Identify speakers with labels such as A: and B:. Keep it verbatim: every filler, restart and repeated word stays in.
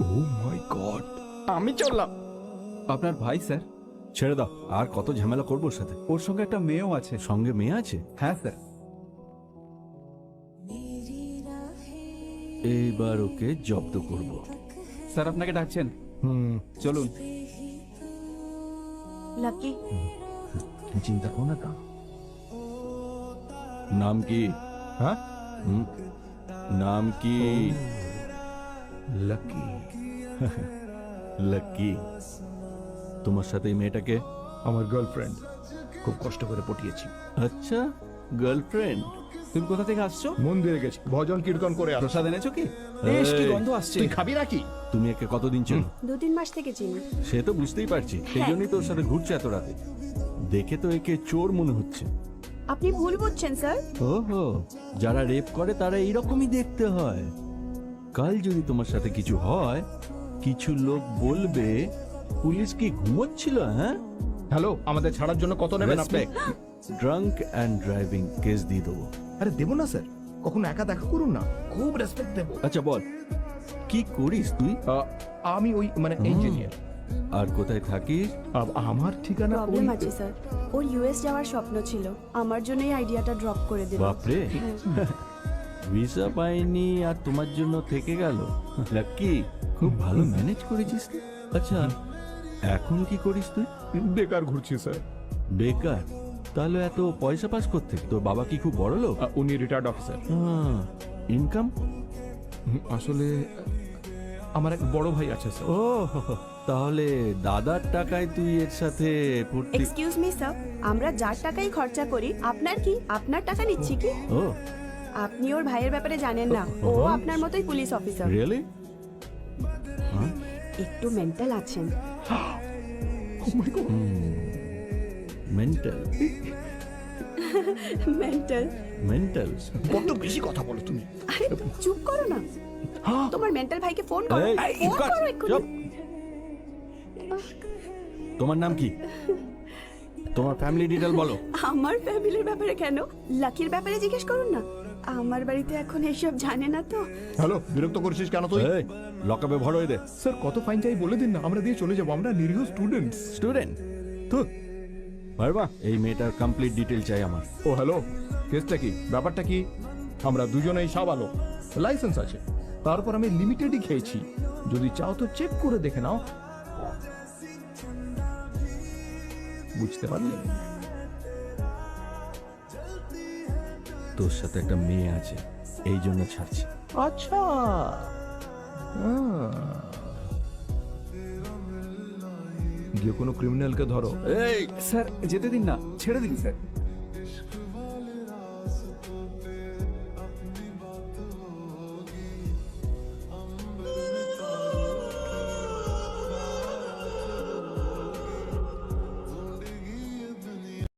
A: ও মাই god, আমি চললাম।
B: আপনার ভাই স্যার।
C: ছেড়ে দাও, আর কত ঝামেলা করবো ওর সাথে।
B: ওর সঙ্গে একটা মেয়েও আছে।
C: সঙ্গে মেয়ে আছে?
B: হ্যাঁ স্যার।
C: এইবার ওকে জব্দ করব।
B: স্যার আপনাকে ডাকছেন।
C: হুম,
B: চলুন।
D: লাকি,
A: চিন্তা করো না।
C: নাম কি?
A: হ্যাঁ,
C: হুম, নাম কি?
A: লাকি।
C: লাকি। তোমার সাথে এই মেয়েটাকে?
A: আমার গার্লফ্রেন্ড, খুব কষ্ট করে পটিয়েছি।
C: আচ্ছা, গার্লফ্রেন্ড।
B: তুমি কোথা থেকে আসছো?
A: মন্দিরে গেছি, ভজন কীর্তন করে আসছি।
B: প্রসাদ এনেছো কি? বেশ, কি গন্ধ আসছে।
A: তুই খাবি নাকি?
C: তুমি একে কতদিন চেনো?
D: দু তিন মাস থেকে চিনি।
C: সে তো বুঝতেই পারছি, সেই জন্যই তো ওর সাথে ঘুরছে এত রাতে। দেখে তো একে চোর মনে হচ্ছে।
D: আপনি ভুল বুঝছেন স্যার।
C: ওহো, যারা রেপ করে তারা এইরকমই দেখতে হয়। কাল যদি তোমার সাথে কিছু হয়, কিছু লোক বলবে পুলিশ কি ঘুমোচ্ছিল? হ্যাঁ,
A: হ্যালো, আমাদের ছাড়ার জন্য কত নেবেন আপনি?
C: ড্রাঙ্ক অ্যান্ড ড্রাইভিং কেস দিয়ে দেবো।
A: আরে দেবো না স্যার, কখনো একা দেখা করুন না, খুব রেসপেক্ট দেবো।
C: আচ্ছা বল, কি করিস তুই?
A: আহ, আমি ওই মানে ইঞ্জিনিয়ার।
C: আর কোথায় থাকিস?
A: আমার ঠিকানা
D: প্রবলেম
A: ওই-
D: আছে স্যার। ওর ইউএস যাওয়ার স্বপ্ন ছিল, আমার জন্য এই আইডিয়াটা ড্রপ করে দিল।
C: বাপরে, ভিসা পাইনি আর তোমার জন্য থেকে গেল। লাকি, খুব ভালো ম্যানেজ করেছিস তুই। আচ্ছা, এখন কি করিস তুই?
A: বেকার ঘুরছি স্যার।
C: বেকার? তাহলে এত পয়সা পাস করতে? তোর বাবা কি খুব বড় লোক?
A: আহ, উনি রিটায়ার্ড অফিসার।
C: ইনকাম?
A: আসলে আমার এক বড় ভাই আছে স্যার।
C: ও, তাহলে দাদার টাকায় তুই এর সাথে ফুর্তি?
D: এক্সকিউজ মি স্যার, আমরা যার টাকাই খরচা করি, আপনার কি? আপনার টাকা নিচ্ছি কি?
C: ও,
D: আপনি ওর ভাইয়ের ব্যাপারে জানেন না, ও আপনার মতোই পুলিশ অফিসার।
C: রিয়েলি?
D: একটু মেন্টাল আছেন।
C: মেন্টাল?
D: মেন্টাল?
C: মেন্টাল?
A: বড্ড বেশি কথা বলো তুমি।
D: আরে চুপ করো না, তোমার মেন্টাল ভাইকে ফোন করো।
C: এই,
D: ফোন
C: কাট,
D: করো এক্ষুনি।
C: চুপ। তোমার নাম কি? তোমার ফ্যামিলি ডিটেল বলো।
D: আমার ফ্যামিলির ব্যাপারে কেন? লাকির ব্যাপারে জিজ্ঞেস করুন না। আমার বাড়িতে এখন এসব জানে না তো।
A: হ্যালো, বিরক্ত করছিস কেন তুই?
C: এই, লকআপে ভর হয়ে দে।
A: স্যার কত ফাইন চাই বলে দিন না, আমরা দিয়ে চলে যাবো, আমরা নিরীহ স্টুডেন্টস।
C: স্টুডেন্ট? তো ভাইবা, এই মেয়েটার কমপ্লিট ডিটেল চাই আমার।
A: ও হ্যালো, কেসটা কি, ব্যাপারটা কি? আমরা দুজনেই সাবালক, লাইসেন্স আছে, তারপর আমি লিমিটেডই খেয়েছি। যদি চাও তো চেক করে দেখে নাও। বুঝতে পারলে?
C: তোর সাথে একটা মেয়ে আছে, এই জন্য ছাড়ছি।
A: আচ্ছা, আহ। গিয়ে কোনো ক্রিমিনালকে ধরো।
C: এই,
B: স্যার যেতে দিন না, ছেড়ে দিন স্যার।